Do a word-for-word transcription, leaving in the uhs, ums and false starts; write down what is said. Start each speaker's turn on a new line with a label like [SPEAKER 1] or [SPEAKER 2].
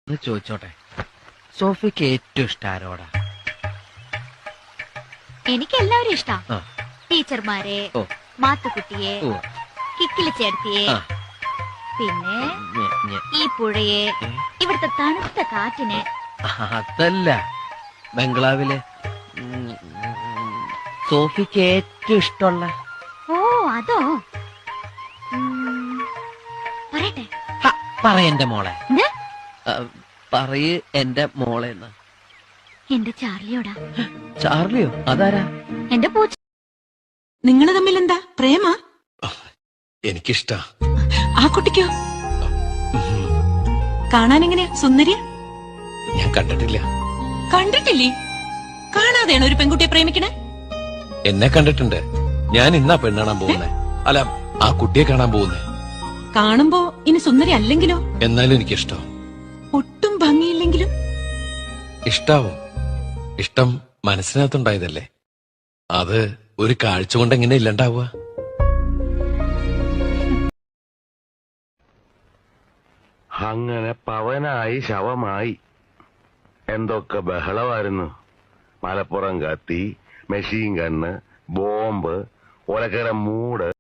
[SPEAKER 1] ഒന്ന് ചോദിച്ചോട്ടെ, സോഫിക്ക് ഏറ്റവും ഇഷ്ടം ആരോടാ?
[SPEAKER 2] എനിക്ക് എല്ലാവരും ഇഷ്ടാ.
[SPEAKER 1] ആ.
[SPEAKER 2] ടീച്ചർമാരെ,
[SPEAKER 1] ഓ.
[SPEAKER 2] മാത്തുക്കുട്ടിയെ,
[SPEAKER 1] ഓ.
[SPEAKER 2] കിക്കിലി ചേർത്തിയെ,
[SPEAKER 1] ആ.
[SPEAKER 2] പിന്നെ
[SPEAKER 1] ഞെ, ഞെ.
[SPEAKER 2] ഈ പുഴയെ,
[SPEAKER 1] ഏ?
[SPEAKER 2] ഇവിടുത്തെ തണുത്ത കാറ്റിനെ.
[SPEAKER 1] അതല്ല, ബംഗ്ലാവിലെ ഉം, ഉം, സോഫിക്ക് ഏറ്റവും ഇഷ്ടമുള്ള.
[SPEAKER 2] ഓ അതോ? ഉം, പറയട്ടെ.
[SPEAKER 1] ഹ, പറയെന്റെ മോളെ.
[SPEAKER 2] എന്ത്?
[SPEAKER 1] ആ, പറയ് എന്റെ മോളെ. എന്ന്
[SPEAKER 2] എന്റെ ചാർലിയോടാ.
[SPEAKER 1] ചാർലിയോ? അതാരാ?
[SPEAKER 2] എന്റെ പൂച്ച.
[SPEAKER 3] നിങ്ങള് തമ്മിൽ എന്താ പ്രേമ?
[SPEAKER 4] എനിക്കിഷ്ടാ.
[SPEAKER 3] ആ കുട്ടിക്കോ? കാണാൻ എങ്ങനെയാ? സുന്ദരിയ?
[SPEAKER 4] ഞാൻ കണ്ടിട്ടില്ല.
[SPEAKER 3] കണ്ടിട്ടില്ലേ? കാണാതെയാണ് ഒരു പെൺകുട്ടിയെ പ്രേമിക്കണേ?
[SPEAKER 4] എന്നെ കണ്ടിട്ടുണ്ട്. ഞാൻ ഇന്നാ പെണ്ണാണാൻ പോകുന്നേ. അല്ല, ആ കുട്ടിയെ കാണാൻ പോകുന്നേ.
[SPEAKER 3] കാണുമ്പോ ഇനി സുന്ദരി അല്ലെങ്കിലോ?
[SPEAKER 4] എന്നാലും എനിക്കിഷ്ടം.
[SPEAKER 3] ഒട്ടും ഭംഗിയില്ലെങ്കിലും?
[SPEAKER 4] ഇഷ്ടാവും. ഇഷ്ടം മനസ്സിനകത്തുണ്ടായതല്ലേ, അത് ഒരു കാഴ്ച കൊണ്ട് എങ്ങനെ ഇല്ലണ്ടാവുക?
[SPEAKER 5] അങ്ങനെ പവനായി ശവമായി. എന്തൊക്കെ ബഹളമായിരുന്നു. മലപ്പുറം കത്തി, മെഷീൻ ഗണ്ണ്, ബോംബ്, ഒലക്കര മൂട്.